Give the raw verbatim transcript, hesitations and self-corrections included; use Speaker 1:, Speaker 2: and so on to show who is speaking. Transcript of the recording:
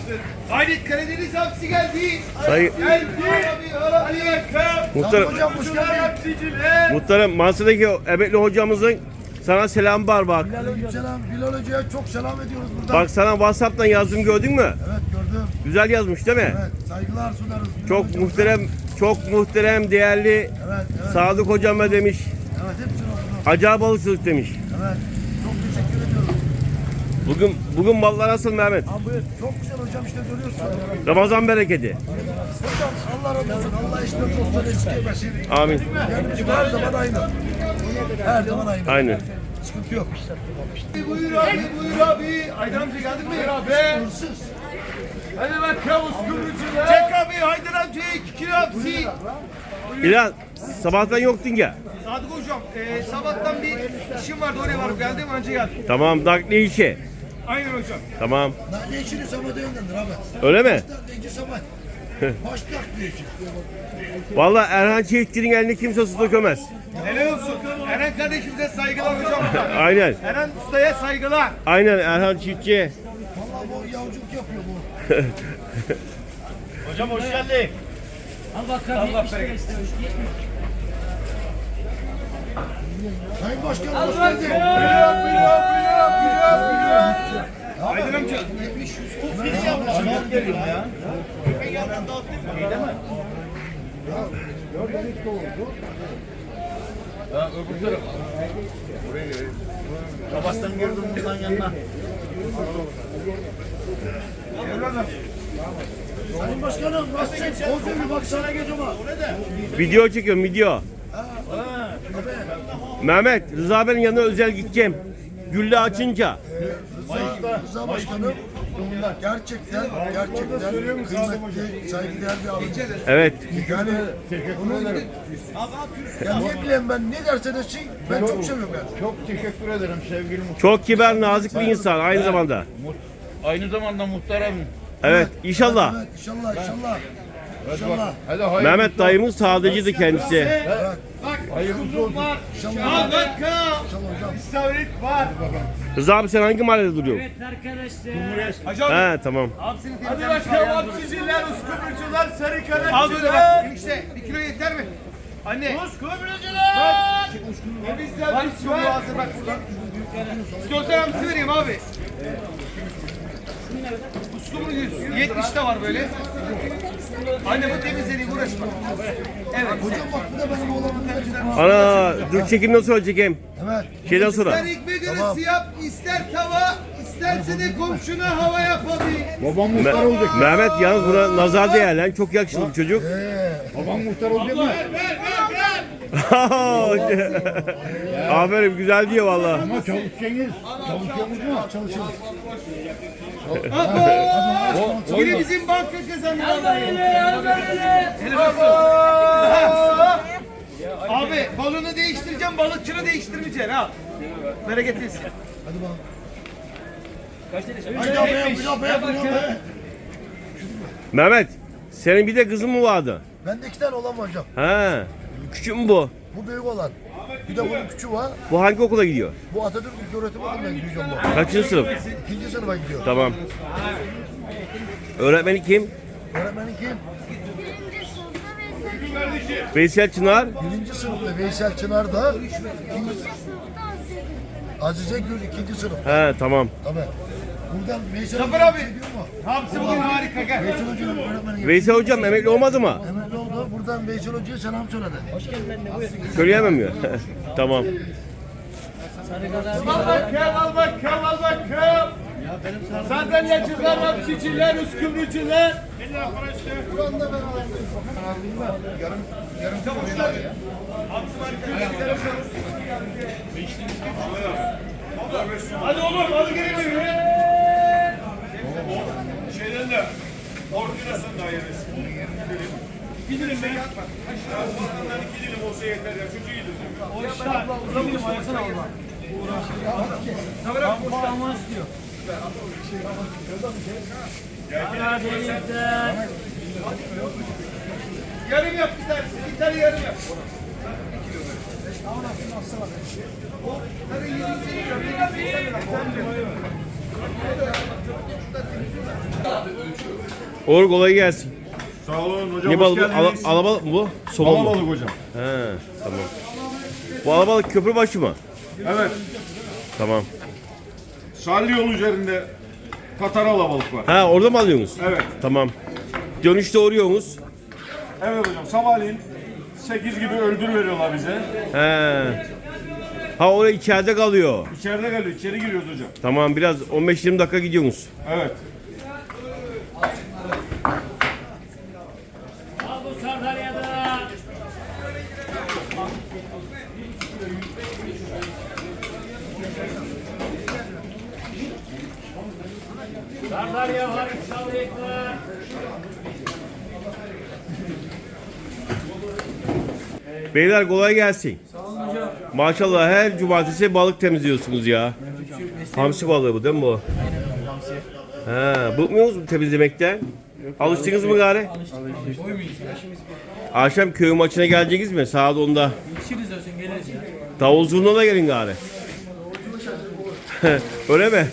Speaker 1: Haydi Karadeniz hapsi geldi.
Speaker 2: Sayın
Speaker 1: Geldi. Hadi bakalım.
Speaker 2: Muhtarım,
Speaker 1: Hocam hoş geldin. Hapsiciler.
Speaker 2: muhtarım Mansa'daki emekli hocamızın sana selam var bak.
Speaker 3: Selam Bilal Hoca'ya çok selam ediyoruz buradan.
Speaker 2: Bak sana WhatsApp'tan yazdım gördün mü?
Speaker 3: Evet gördüm.
Speaker 2: Güzel yazmış değil mi?
Speaker 3: Evet saygılar sunarız. Bilal
Speaker 2: Çok
Speaker 3: Hoca'ya.
Speaker 2: muhterem, çok muhterem, değerli
Speaker 3: Evet evet.
Speaker 2: Sadık hocama demiş.
Speaker 3: Evet hepsini okudum.
Speaker 2: Acayip balıkçılık demiş.
Speaker 3: Evet. Çok teşekkür ediyorum.
Speaker 2: Bugün bugün mallar nasıl Mehmet?
Speaker 3: Abi buyur. Çok güzel hocam işte görüyorsun.
Speaker 2: Ramazan bereketi.
Speaker 3: Hocam Allah razı olsun. Allah işte dostları eksik etmesin.
Speaker 2: Amin.
Speaker 3: Yani bizim her zaman aynı. Her zaman aynı.
Speaker 2: Aynı.
Speaker 3: Sıkıntı yok.
Speaker 1: Buyur abi, buyur abi. Aydın amca geldik mi? Abi.
Speaker 3: Hırsız.
Speaker 1: Hadi bakalım uskumrucular. Çek abi, Haydar amca iki kilo hapsi.
Speaker 2: Bilal sabahtan yoktun ya.
Speaker 1: Sadık hocam, e, sabahtan bir işim vardı oraya varıp geldim, önce geldim.
Speaker 2: Tamam nakli işi.
Speaker 1: Aynen hocam.
Speaker 2: Tamam.
Speaker 3: Ne işini sabahda yönlendir abi.
Speaker 2: Öyle mi?
Speaker 3: Başta sabah. Başta ne işin?
Speaker 2: Vallahi Erhan Çiğitçi'nin elini kimse su dökemez.
Speaker 1: Helal olsun. Eren kardeşimize saygılar hocam.
Speaker 2: Aynen.
Speaker 1: Eren ustaya saygılar.
Speaker 2: Aynen Erhan Çiğitçi.
Speaker 3: Vallahi bu yavculuk yapıyor bu.
Speaker 1: Hocam hoş geldin.
Speaker 4: Al bakalım.
Speaker 1: Allah bereket.
Speaker 3: Sayın Başkanım
Speaker 4: Al
Speaker 3: hoş
Speaker 4: bakalım.
Speaker 3: geldin.
Speaker 1: Buyur, buyur, buyur, buyur, buyur. Aydın amca.
Speaker 5: Kabastan girdim buradan yanına.
Speaker 3: Sayın Başkanım nasılsın? Koca bir baksana gözüme.
Speaker 2: Video çekiyorum video. Mehmet Rıza abinin yanına özel gideceğim. Gülle açınca.
Speaker 3: Rıza, Rıza Başkanım gerçekten gerçekten kıymetli, saygıdeğer bir abi.
Speaker 2: Evet.
Speaker 3: Yani onun ya ne bileyim ben ne derse desin ben çok seviyorum yani.
Speaker 5: Çok teşekkür ederim sevgili muhtar.
Speaker 2: Çok kibar, nazik bir insan aynı zamanda.
Speaker 5: Aynı zamanda muhtarım.
Speaker 2: Evet, inşallah.
Speaker 3: Evet inşallah inşallah. İnşallah.
Speaker 5: Hadi hayırlısı
Speaker 2: Mehmet dayımın sadıcıydı kendisi.
Speaker 1: Bak,
Speaker 5: Hayırlısı olsun.
Speaker 1: var.
Speaker 3: İnşallah.
Speaker 1: Al bakalım.
Speaker 3: İnşallah hocam.
Speaker 1: İstavrit var.
Speaker 2: Rıza abi sen hangi mahallede duruyorsun?
Speaker 4: Evet arkadaşlar.
Speaker 1: Hocam.
Speaker 2: He tamam.
Speaker 1: Hadi bakalım hapsiciler, uskumrucular, sarı kanat. Al böyle bak. Enişte bir kilo yeter mi? Anne. Uskumrucular. Bak. Temizler bir sürü hazır bak buradan. İstiyorsan hamsi vereyim abi. Uskumru yüz. yetmiş de var böyle. Anne bu temizlediği uğraşma. Evet.
Speaker 3: Hocam bak bu da benim oğlanım.
Speaker 2: Ana dur çekim nasıl olacak hem?
Speaker 3: Evet.
Speaker 2: Şeyden sonra.
Speaker 1: İster ekmek arası yap, ister tava, isterse de komşuna hava yap abi.
Speaker 5: Babam muhtar
Speaker 2: Me-
Speaker 5: olacak.
Speaker 2: Mehmet yalnız buna nazar değer lan. Çok yakışıklı bir çocuk.
Speaker 5: Babam muhtar olacak mı?
Speaker 1: Ver, ver, ver, ver.
Speaker 2: Aferin güzel diyor valla.
Speaker 5: Ama çalışacaksınız. Çalışıyorsunuz mu? Çalışıyoruz.
Speaker 1: Abo! Biri bizim banka kazandı.
Speaker 4: Al böyle, al böyle.
Speaker 1: Abi balonu değiştireceğim, balıkçını değiştirmeyeceksin ha. Bereketlisin.
Speaker 3: Hadi bakalım. Haydi abi yap yap yap yap.
Speaker 2: Mehmet senin bir de kızın mı vardı?
Speaker 3: Bende iki tane olan var hocam.
Speaker 2: He. Küçük mü bu?
Speaker 3: Bu büyük olan. Bir de bunun küçüğü var.
Speaker 2: Bu hangi okula gidiyor?
Speaker 3: Bu Atatürk İlköğretim Okulu'na gidiyor bu.
Speaker 2: Kaçıncı sınıf?
Speaker 3: İkinci sınıfa gidiyor.
Speaker 2: Tamam. Öğretmeni kim?
Speaker 3: Öğretmenin kim?
Speaker 2: Veysel Çınar.
Speaker 3: Birinci sınıfta Veysel Çınar da ikinci, Azize Gül ikinci sınıf.
Speaker 2: He tamam.
Speaker 3: Tabii. Buradan Veysel
Speaker 1: Zafer
Speaker 3: Hocam
Speaker 1: abi.
Speaker 3: bir şey diyor mu?
Speaker 1: Hamsi bugün harika gel.
Speaker 3: Veysel Hoca'nın öğretmeni.
Speaker 2: Veysel hocam emekli olmadı mı?
Speaker 3: Emekli oldu. Buradan Veysel Hoca'ya selam söyledi.
Speaker 2: Söyleyemem mi? Tamam.
Speaker 1: Al bakalım, al bakalım, al bakalım. Sandalyacılar, hapsiciler, uskumrucular. Hadi oğlum, hadi gelin.
Speaker 6: Şeyden de ordinasyon dairesi. Bir dilim ben. Bundan iki dilim olsa yeter ya. Çünkü iyidir.
Speaker 4: O işte uzamıyor ayasana orada. Uğraşıyor. Boşlanma istiyor. Karadeniz'den.
Speaker 1: Yarım yap bir tanesi, bir tane yarım yap. O,
Speaker 2: Olur, kolay gelsin.
Speaker 6: Sağ olun hocam.
Speaker 2: Ne
Speaker 6: hoş
Speaker 2: balık bu? Ala,
Speaker 6: geldiniz.
Speaker 2: alabalık mı bu? Somon mu?
Speaker 6: Alabalık hocam.
Speaker 2: He, tamam. Bu alabalık köprübaşı mı?
Speaker 6: Evet.
Speaker 2: Tamam.
Speaker 6: Salli yol üzerinde Katar alabalık var.
Speaker 2: Ha, orada mı alıyorsunuz?
Speaker 6: Evet.
Speaker 2: Tamam. Dönüşte uğruyorsunuz.
Speaker 6: Evet hocam. Sabahleyin sekiz gibi öldür veriyorlar bize.
Speaker 2: He. Ha, oraya içeride kalıyor.
Speaker 6: İçeride geliyor. İçeri giriyoruz hocam.
Speaker 2: Tamam, biraz on beş yirmi dakika gidiyorsunuz.
Speaker 6: Evet.
Speaker 4: Al bu Sardarya'da. Sardarya var, İsrail var.
Speaker 2: Beyler kolay gelsin. Sağ olun hocam. Maşallah her cumartesi balık temizliyorsunuz ya. Hamsi balığı bu değil mi bu? Aynen hamsi. Ha, bıkmıyor musunuz temizlemekten? Alıştınız mı gari? Alıştık. Akşam köy maçına geleceksiniz mi? Saat onda.
Speaker 4: İçeriz olsun geliriz ya.
Speaker 2: Davul zurna da gelin gari. Öyle mi?